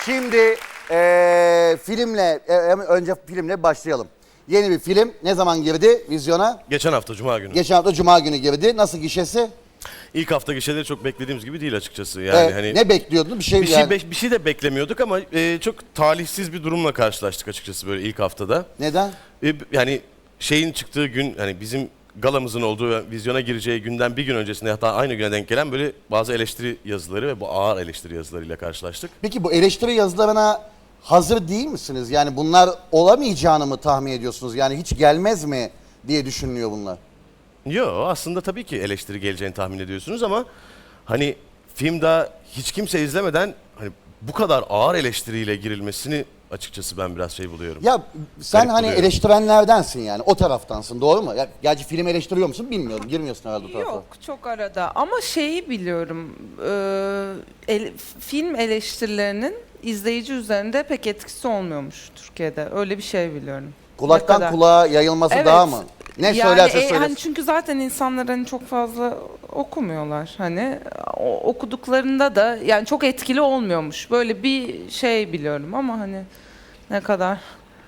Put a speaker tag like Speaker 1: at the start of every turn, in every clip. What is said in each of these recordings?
Speaker 1: Şimdi önce filmle başlayalım. Yeni bir film ne zaman girdi vizyona?
Speaker 2: Geçen hafta Cuma günü.
Speaker 1: Geçen hafta Cuma günü girdi. Nasıl gişesi?
Speaker 2: İlk hafta gişeleri çok beklediğimiz gibi değil açıkçası. Yani hani
Speaker 1: ne bekliyordun?
Speaker 2: bir şey de beklemiyorduk ama çok talihsiz bir durumla karşılaştık açıkçası böyle ilk haftada.
Speaker 1: Neden?
Speaker 2: Yani şeyin çıktığı gün, hani bizim galamızın olduğu ve vizyona gireceği günden bir gün öncesinde, hatta aynı güne denk gelen böyle bazı eleştiri yazıları ve bu ağır eleştiri yazılarıyla karşılaştık.
Speaker 1: Peki bu eleştiri yazılarına hazır değil misiniz? Yani bunlar olamayacağını mı tahmin ediyorsunuz? Yani hiç gelmez mi diye düşünülüyor bunlar.
Speaker 2: Yok, aslında tabii ki eleştiri geleceğini tahmin ediyorsunuz ama hani film daha hiç kimse izlemeden hani bu kadar ağır eleştiriyle girilmesini açıkçası ben biraz şey buluyorum.
Speaker 1: Ya sen
Speaker 2: Garip
Speaker 1: hani
Speaker 2: buluyorum.
Speaker 1: eleştirenlerdensin, yani o taraftansın, doğru mu? Ya, gerçi film eleştiriyor musun bilmiyorum. Girmiyorsun herhalde o tarafa.
Speaker 3: Yok, çok arada. Ama şeyi biliyorum, film eleştirilerinin izleyici üzerinde pek etkisi olmuyormuş Türkiye'de. Öyle bir şey biliyorum. Ne
Speaker 1: Kulaktan
Speaker 3: kadar?
Speaker 1: kulağa yayılması
Speaker 3: Evet.
Speaker 1: daha mı? Ne
Speaker 3: Yani,
Speaker 1: söylerse söylesin.
Speaker 3: hani çünkü zaten insanlar hani çok fazla okumuyorlar. Hani okuduklarında da yani çok etkili olmuyormuş. Böyle bir şey biliyorum ama hani ne kadar.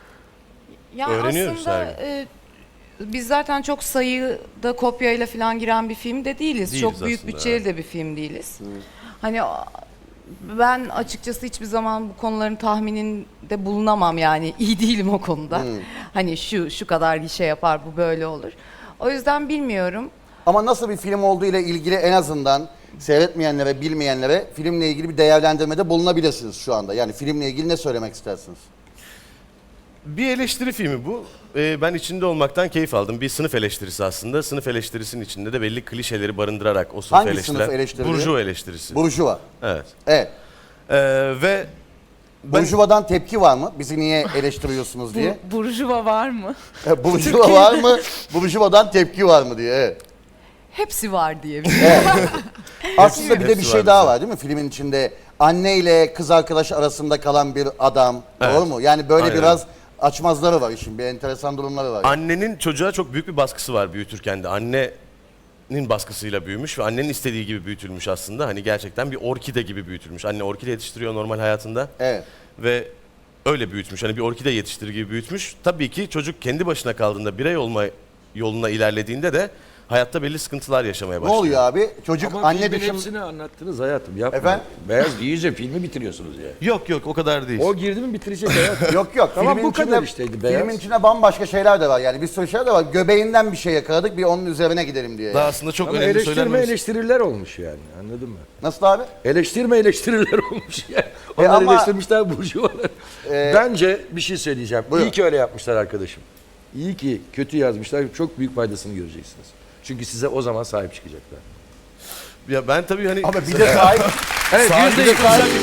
Speaker 4: Ya
Speaker 2: Öğreniyoruz
Speaker 4: aslında
Speaker 2: her
Speaker 4: biz zaten çok sayıda kopyayla falan giren bir film de değiliz.
Speaker 2: Değiliz
Speaker 4: Çok büyük
Speaker 2: aslında,
Speaker 4: bütçeli de bir film değiliz. Hani ben açıkçası hiçbir zaman bu konuların tahmininde bulunamam, yani iyi değilim o konuda. Hani şu kadar gişe yapar, bu böyle olur. O yüzden bilmiyorum.
Speaker 1: Ama nasıl bir film olduğu ile ilgili en azından seyretmeyenlere, bilmeyenlere filmle ilgili bir değerlendirmede bulunabilirsiniz şu anda. Yani filmle ilgili ne söylemek istersiniz?
Speaker 2: Bir eleştiri filmi bu. Ben içinde olmaktan keyif aldım. Bir sınıf eleştirisi aslında. Sınıf eleştirisinin içinde de belli klişeleri barındırarak o sınıfı
Speaker 1: Hangi
Speaker 2: eleştiren.
Speaker 1: sınıf eleştiriliyor?
Speaker 2: Burjuva eleştirisi.
Speaker 1: Burjuva.
Speaker 2: Evet.
Speaker 1: Evet.
Speaker 2: Ve ben
Speaker 1: Burjuva'dan tepki var mı? Bizi niye eleştiriyorsunuz diye.
Speaker 3: Burjuva var mı?
Speaker 1: Burjuva var mı? Burjuva'dan tepki var mı diye. Evet.
Speaker 4: Hepsi var diye bir
Speaker 1: Aslında bir de bir
Speaker 2: Hepsi
Speaker 1: şey
Speaker 2: var
Speaker 1: daha
Speaker 2: bizde.
Speaker 1: var değil mi filmin içinde? Anne ile kız arkadaş arasında kalan bir adam.
Speaker 2: Evet.
Speaker 1: Doğru mu? Yani böyle
Speaker 2: Aynen.
Speaker 1: biraz açmazları var işin. Bir enteresan durumları var.
Speaker 2: annenin çocuğa çok büyük bir baskısı var büyütürken de. Annenin baskısıyla büyümüş ve annenin istediği gibi büyütülmüş aslında. Hani gerçekten bir orkide gibi büyütülmüş. Anne orkide yetiştiriyor normal hayatında.
Speaker 1: Evet.
Speaker 2: Ve öyle büyütmüş. Hani bir orkide yetiştirir gibi büyütmüş. Tabii ki çocuk kendi başına kaldığında, birey olma yoluna ilerlediğinde de hayatta belli sıkıntılar yaşamaya
Speaker 1: Ne
Speaker 2: başlıyor.
Speaker 1: oluyor abi? Çocuk
Speaker 5: Ama
Speaker 1: anne
Speaker 5: filmin
Speaker 1: dışında...
Speaker 5: hepsini anlattınız hayatım, yapma.
Speaker 1: Efendim?
Speaker 5: Beyaz giyince filmi bitiriyorsunuz ya.
Speaker 2: Yok o kadar değil.
Speaker 5: O girdi mi bitirecek hayatım.
Speaker 1: Yok.
Speaker 5: Tamam,
Speaker 1: filmin
Speaker 5: bu kadar
Speaker 1: içinde-
Speaker 5: işteydi beyaz.
Speaker 1: Filmin içinde bambaşka şeyler de var. Yani bir sürü şeyler de var. Göbeğinden bir şey yakaladık. Bir onun üzerine gidelim diye.
Speaker 2: Daha
Speaker 1: Yani.
Speaker 2: aslında çok
Speaker 5: Ama
Speaker 2: önemli söylenmemiz.
Speaker 5: eleştiriler olmuş yani, anladın mı?
Speaker 1: Nasıl abi?
Speaker 5: Eleştiriler olmuş yani. Onlar
Speaker 1: ama-
Speaker 5: eleştirmişler burjuvalar. Bence bir şey söyleyeceğim.
Speaker 1: Buyurun.
Speaker 5: İyi ki öyle yapmışlar arkadaşım. İyi ki kötü yazmışlar. Çok büyük faydasını göreceksiniz. Çünkü size o zaman sahip çıkacaklar.
Speaker 2: Ya ben tabii hani...
Speaker 1: Ama bir de sahip...
Speaker 5: Evet,
Speaker 2: Sahibi de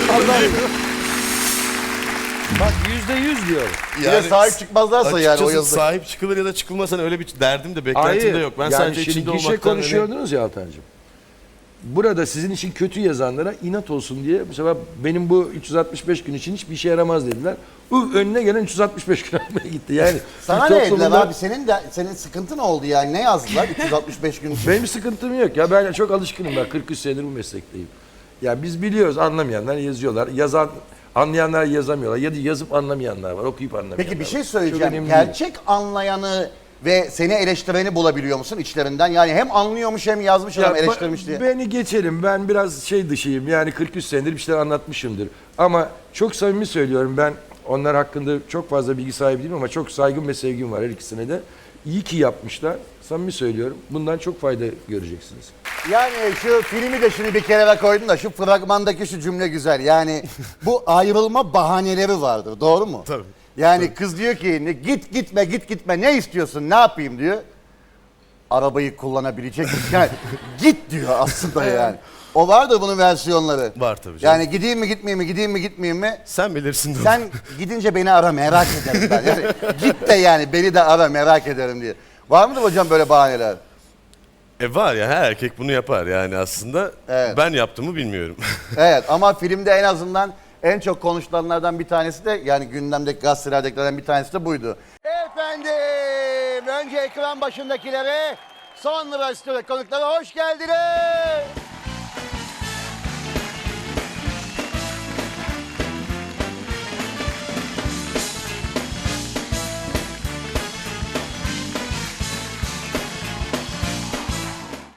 Speaker 5: Bak %100 diyorum.
Speaker 1: Bir de sahip çıkmazlarsa yani o
Speaker 2: Açıkçası
Speaker 1: yazıda.
Speaker 2: sahip çıkılır ya da çıkılmasa öyle bir derdim de beklentim de yok. Ben
Speaker 5: yani
Speaker 2: sadece
Speaker 5: şimdi
Speaker 2: içinde
Speaker 5: gişe
Speaker 2: olmaktan...
Speaker 5: konuşuyordunuz ya Altancığım. Burada sizin için kötü yazanlara inat olsun diye bu sefer benim bu 365 gün için hiçbir işe yaramaz dediler. Önüne gelen 365 gün almaya gitti. Yani
Speaker 1: Sana
Speaker 5: Türk
Speaker 1: ne dediler
Speaker 5: toplumunda-
Speaker 1: abi? Senin sıkıntı ne oldu yani? Ne yazdılar 365 gün?
Speaker 5: Benim sıkıntım yok ya, ben çok alışkınım, ben 43 senedir bu meslekteyim. Ya biz biliyoruz, anlamayanlar yazıyorlar. Anlayanlar yazamıyorlar. Ya da yazıp anlamayanlar var, okuyup anlamayanlar
Speaker 1: Peki bir şey
Speaker 5: var. Çok
Speaker 1: söyleyeceğim.
Speaker 5: önemli değil.
Speaker 1: Gerçek anlayanı ve seni eleştireni bulabiliyor musun içlerinden? Yani hem anlıyormuş hem yazmış adam eleştirmiş diye.
Speaker 5: Beni geçelim, ben biraz şey dışıyım, yani 43 senedir bir şeyler anlatmışımdır. Ama çok samimi söylüyorum, ben onlar hakkında çok fazla bilgi sahibi değilim ama çok saygım ve sevgim var her ikisine de. İyi ki yapmışlar, samimi söylüyorum. Bundan çok fayda göreceksiniz.
Speaker 1: Yani şu filmi de şimdi bir kenara koydum da şu fragmandaki şu cümle güzel. Yani bu ayrılma bahaneleri vardır, doğru mu?
Speaker 2: Tabii.
Speaker 1: Yani kız diyor ki git gitme ne istiyorsun, ne yapayım diyor. Arabayı kullanabilecek misin? Yani git diyor aslında yani. O vardır bunun versiyonları.
Speaker 2: Var tabii canım.
Speaker 1: Yani gideyim mi gitmeyeyim mi, gideyim mi gitmeyeyim mi?
Speaker 2: Sen bilirsin.
Speaker 1: Sen gidince beni ara, merak ederim ben. Yani git de yani beni de ara, merak ederim diye. Var mıdır hocam böyle bahaneler?
Speaker 2: Var ya, her erkek bunu yapar yani aslında.
Speaker 1: Evet.
Speaker 2: Ben yaptığımı bilmiyorum.
Speaker 1: Evet ama filmde en azından en çok konuşulanlardan bir tanesi de, yani gündemdeki gazetelerdekilerden bir tanesi de buydu. Efendim, önce ekran başındakilere, sonra stüdyo konuklara hoş geldiniz.